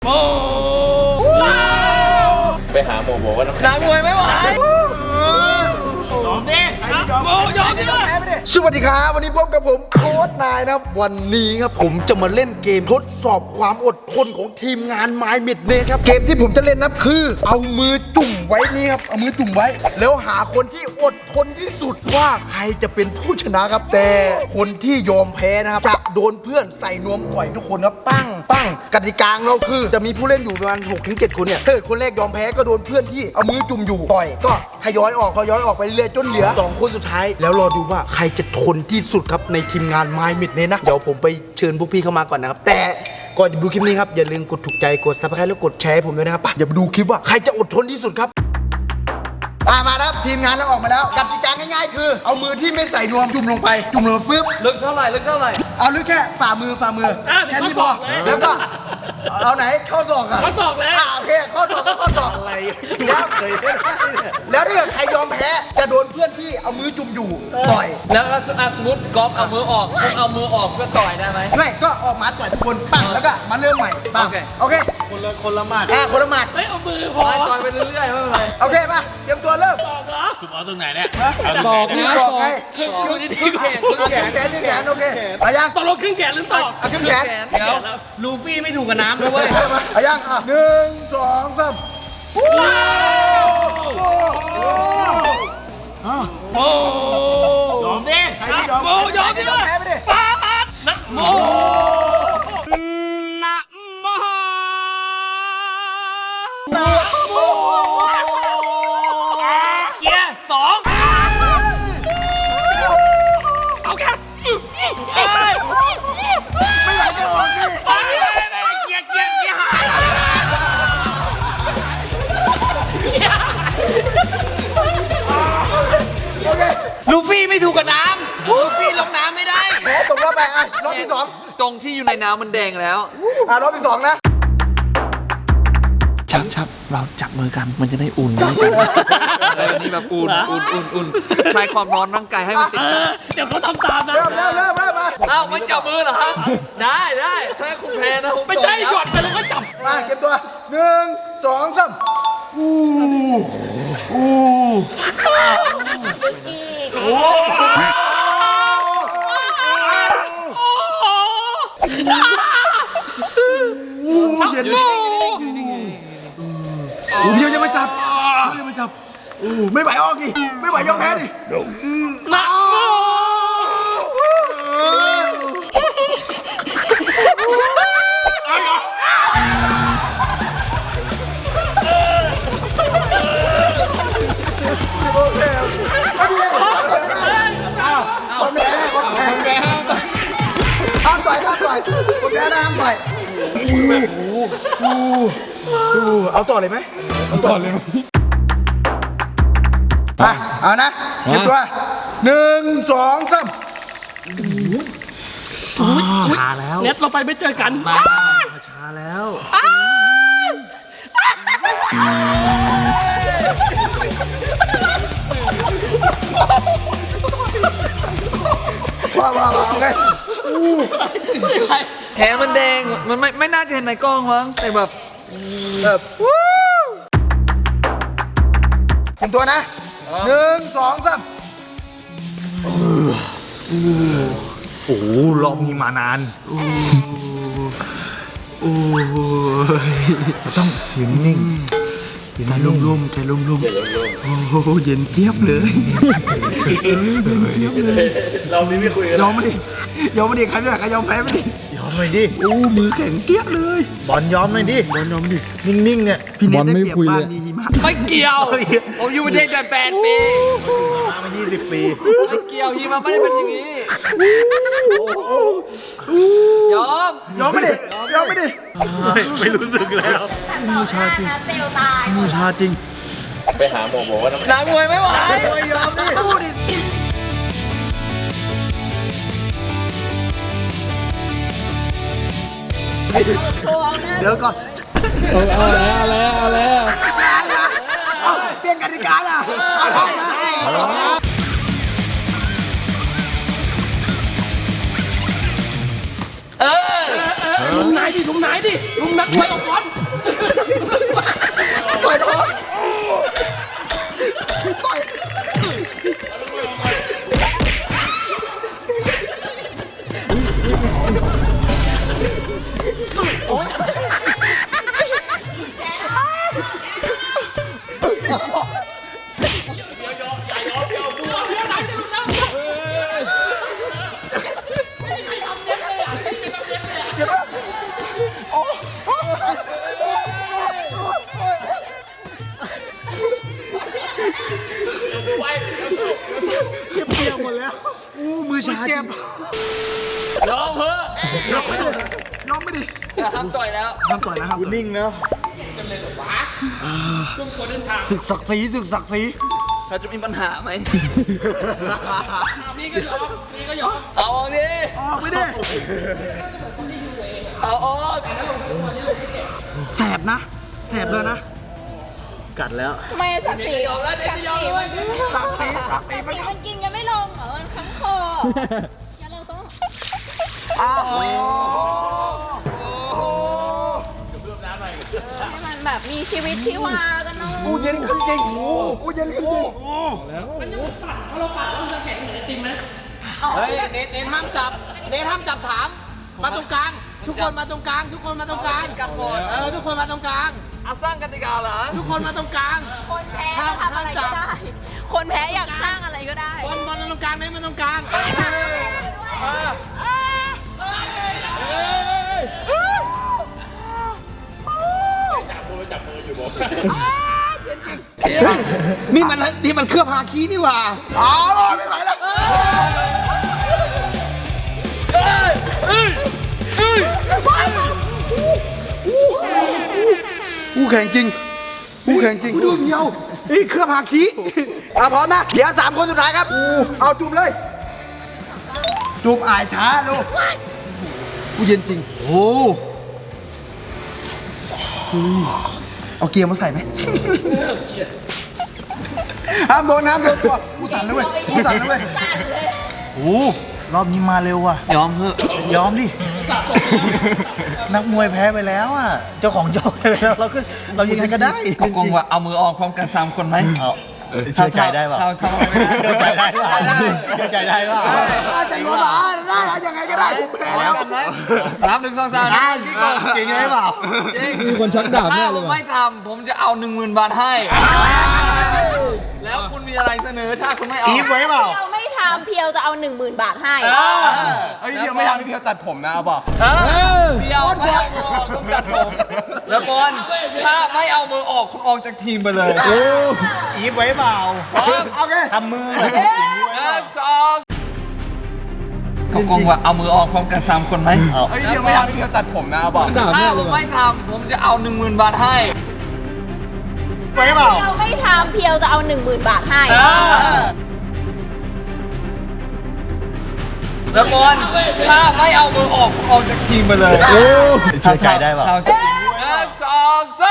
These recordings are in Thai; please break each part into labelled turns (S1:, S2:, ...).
S1: โอ้
S2: ไปหาหมอบอกว่า
S1: นักมวยไม่ไหวยอมดิโอ้ยอมดิ
S3: สวัสดีครับวันนี้พบกับผมโค้ชนายนะครับวันนี้ครับผมจะมาเล่นเกมทดสอบความอดทนของทีมงานไม้เม็ดเนครับเกมที่ผมจะเล่นนะคือเอามือจุ่มไว้นี่ครับเอามือจุ่มไว้แล้วหาคนที่อดทนที่สุดว่าใครจะเป็นผู้ชนะครับแต่คนที่ยอมแพ้นะครับจะโดนเพื่อนใส่นวมต่อยทุกคนครับปั้งกติกาของเราคือจะมีผู้เล่นอยู่ประมาณ 6-7 คนเนี่ยถ้าเกิดคนแรกยอมแพ้ก็โดนเพื่อนที่เอามือจุ่มอยู่ต่อยก็ทยอยออกไปเรื่อยจนเหลือ2คนสุดท้ายแล้วรอดูว่าใครจะทนที่สุดครับในทีมงานไม้มิดเนนะเดี๋ยวผมไปเชิญพวกพี่เข้ามาก่อนนะครับแต่ก่อนจะดูคลิปนี้ครับอย่าลืมกดถูกใจกดซับสไครต์แล้วกดแชร์ให้ผมด้วยนะครับอย่าไปดูคลิปว่าใครจะอดทนที่สุดครับมาแล้วทีมงานเราออกมาแล้วกติกาง่ายๆคือเอามือที่ไม่ใส่นวมจุ่มลงไปปึ๊บ
S1: ลึกเท่าไหร่
S3: เอาลึกแค่ฝ่ามือแค่นี้พอแล้วก็เอาไหนข้อศอกอะ
S1: ข้อศอกแล้ว
S3: โอเคข้อศอกก็ข้อศอกอะไรแล้วถ้าเกิดใครยอมแพ้จะโดนเพื่อนที่เอามือจุ่มอยู่ต่อย
S1: แล้วสมมติกอล์ฟเอามือออกผมเอามือออกเพื่อต่อยได้ไหม
S3: ไม่ก็ออกมาต่อยทุกคนปั้งแล้วก็มาเริ่มใหม่ปั้งโอเคคนละหมัดคนละหมัด
S1: ไม่เอามือพอต่อยไปเรื่อยๆไม่เป็นไร
S3: โอเคป่ะเตรียมตัวเริ่ม
S1: ศอกเหรอคุณเอาตรงไหนเนี่ย
S3: ศอกนี่ศอกไง
S1: อยู่ดีๆแขน
S3: โอเคอายัง
S1: ตกลงครึ่งแขนหรือศอก
S3: ครึ่งแขน
S1: เดี๋ยวลูฟี่ไม่ถูกกับน้ำด้วย
S3: อายัง1 2 3
S1: ว้าวโอ้ยอมดิโอ้ยอมดิ
S3: แพ้ไปดิ
S1: ป๊าดนะโมเกียร์2เอาแค่
S3: ไม่ไหวจะออกดิ
S1: เกียร์หายลูฟี่ไม่ถูกกับน้ำลูฟี่ลงน้ำไม่ได้
S3: แพ้ตกรอบไปรอบที่2
S1: ตรงที่อยู่ในน้ำมันแดงแล้ว
S3: รอบที่2นะ
S1: ชับเราจับมือกันมันจะได้อุ่นกันอะไรแบบนี้แบบอุ่นใช้ความร้อนร่างกายให้มันติดเดี๋ยวเขาทำตามนะ
S3: เริ่มมา
S1: อ้าวมันจับมือเหรอครับได้ใช้คุณแพ้นะผมไม่ใช่หยอดไปแล้วก็จับ
S3: มาเก็บตัว1 2 3เย็นเดี๋ยวจะมาจับไม่ไหวออกดิไม่ไหวยอมแพ้ดิ
S1: มา
S3: ห้ามต่อยคนแพ้ห้ามต่อยเอาต่อเลยไหมเอานะเก็บตัว1 2 3
S1: ช้าแล้วเน็ตเราไปไม่เจอกัน
S3: ช้าแล้วว่าโอเค
S1: แขนมันแดงมันไม่น่าจะเห็นในกล้องมั้งแต่แบบ
S3: เก็บตัวนะ1 2 3
S2: โอ้รอบนี้มานานต้องนิ่งใจลุ่มโอ้โหเย็นเจี๊ยบเลย
S3: เราไม่คุยกันยอมมาดิใครไม่อยากยอมแพ้ไม่ดิ
S2: ยอมหน่อยดิ
S3: โอ้มือแข็งเจี๊ยบเลย
S2: บอลยอมหน่อยดินิ่งเนี่ย
S3: พี่เน็ตได้เปรียบบ้านนี้
S1: ไม่เกี่ยวผมอยู่ประเทศกัน8 ปี
S2: มา20 ปี
S1: ไม่เกี่ยวฮีมาไม่ได้เป็นอย่างนี้ยอม
S3: ไม่ดิ
S2: ไม่รู้สึกแล้ว
S4: มูชาจริงเซลตาย
S2: จริงไปหาหมอบอกว่า
S1: นักมวยไม่ไหว
S3: ไม่ยอมดิสู้ดิเดี๋ยวก่อน
S2: เอาแล้ว
S3: เปลี่ยนกติกาล่ะ
S2: ลุมนายดิลุมนักมวยออกก่อนต่อยท้องมือชาเจ็บ
S1: ยอมเถอะ
S3: ยอมไม่ดิ
S1: ห้ามต่อยแล้ว
S3: ห้ามต่อยนะครับนิ่งแล้วศึกศักดิ์ศรี
S1: เราจะมีปัญหาไหม
S2: นี่ก็ยอม
S1: เอาออกดิ
S3: ออกไม่ได้
S1: เอาออก
S3: แสบเลยนะ กัดแล้ว
S4: ทำไมศักดิ์ศรีมันกินกันไม่ลงเหรอมันค้ำคองั้นเราต้องให้มันแบบมีชีวิตชีวากันหน่อย
S3: กูเย็นขึ้นจริงกูเย็นขึ้นจริง
S2: ถ้าเราปัดเราจะแข็งเหมือนไอติมไหม
S5: เฮ้ยเนทห้ามจับถามมาตรงกลาง ทุกคนมาตรงกลาง ทุกคนมาตรงกลาง
S1: กันหมด
S5: ทุกคนมาตรงกลาง
S1: เอาสร้างกติกาเหรอ
S5: ทุกคนมาตรงกลาง
S4: คนแพ้ทำอะไรก็ได้ คนแพ้อยากสร้างอะไรก็ได้
S5: บอลมาตรงกลางเนทมาตรงกลาง
S3: นี่มันเครื่องพาคีนี่หว่าอ๋อไม่ไหวแล้วกูแข่งจริงดูเพียวนี่เครื่องพาคีพร้อมนะเดี๋ยว3 คนสุดท้ายครับเอาจุ่มเลยจุ่มอายช้าลูกกูเย็นจริงโอ้เอาเกียร์มาใส่ไหมห้ามโดนตัวกูสั่นนะเว้ยโอ้รอบนี้มาเร็วว่ะ
S1: ยอมเถอะ
S3: ยอมดิ นักมวยแพ้ไปแล้วอ่ะ เจ้าของยอมไปแล้วเรายังไงก็ได้
S1: ก็กงว่าเอามือออกพร้อมกัน3 คนไหม
S3: เชื่อใจได้ป่ะ
S1: เราทำอะไรไม่ได้
S3: เชื่อใจได้ป่ะเชื่อใจได้ป่ะจะรู้ป่ะได้ยังไงก็ได้ผมแพ้แล้ว
S1: กันไหมนับ1 2 3นะกี่ก่อน
S3: จริงไหมเปล่า
S1: มีคนชักดาบแน่เลยถ้าผมไม่ทำผมจะเอา 10,000 บาทให้ แล้วคุณมีอะไรเสนอถ้าคุณไม่เอา
S3: จี๊บไว้เปล่า
S4: เราไม่ทำเพียวจะเอา 10,000 บาทให้
S1: เฮ้ยเพียวไม่ทำเพียวตัดผมนะบอกเพียวไม่เอามือออกต้องตัดผมแล้วบอลถ้าไม่เอามือออกคุณออกจากทีมไปเลย
S3: จี๊บไว้เปล่าโอเคทำมือ
S1: 1 2ก็กงว่าเอามือออกพร้อมกัน3 คนไหมเฮ้ยเพียวไม่ทำเพียวตัดผมนะบอกถ้าผมไม่ทำผมจะเอา 10,000 บาทให้
S3: ไว้เปล่า
S4: เราไม่ทำเพียวจะเอา 10,000 บาทให้
S1: แล้วบอลถ้าไม่เอามือออกคุณออกจากทีมไปเลย
S3: เชื่อใจได้ป่ะ
S1: 1 2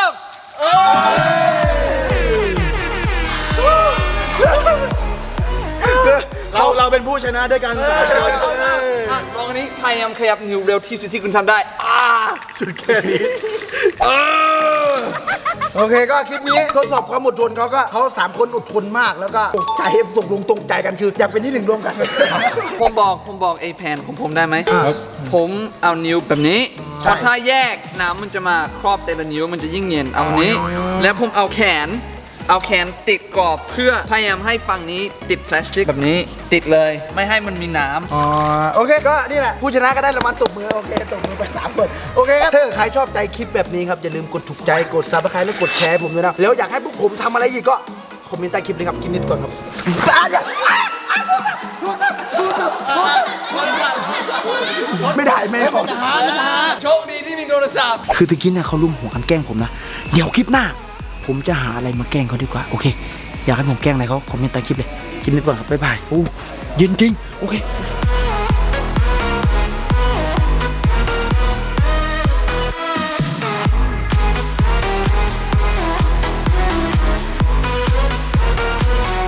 S3: เราเป็นผู้ชนะด้วยกัน
S1: 3ลองอันนี้พยายามขยับนิ้วเร็วที่สุดที่คุณทำได้
S3: สุดแค่นี้โอเคก็คลิปนี้ทดสอบความอดทนเขา3 คนอดทนมากแล้วก็ตกใจกันคืออยากเป็นที่ 1รวมกัน
S1: ผมบอกไอ้แผนของผมได้ไหมผมเอานิ้วแบบนี้ถ้าแยกน้ำมันจะมาครอบแต่ละนิ้วมันจะยิ่งเย็นเอานี้ แล้วผมเอาแขนติดกรอบเพื่อพยายามให้ฝั่งนี้ติดพลาสติกแบบนี้ติดเลยไม่ให้มันมีน้ำ
S3: โอเคก็นี่แหละผู้ชนะก็ได้รางวัลตบมือโอเคตบมือไป3 คนโอเคครับถ้าใครชอบใจคลิปแบบนี้ครับอย่าลืมกดถูกใจกดซับสไครต์และกดแชร์ผมด้วยนะแล้วอยากให้พวกผมทำอะไรอีกก็คอมเมนต์ใต้คลิปเลยครับคลิปนี้ก่อนครับไม่ได้แม่บอก
S1: โชคดีที่มีโทรศัพท์
S3: คือตะกี้เนี่ยเขาลุ่มหัวกันแกล้งผมนะเดี๋ยวคลิปหน้าผมจะหาอะไรมาแกล้งเขาดีกว่าโอเคอยากให้ผมแกล้งอะไรเขาคอมเมนต์ใต้คลิปเลยคลิปนี้ก่อนครับบ๊ายบายโอ้เย็นจริงโอเค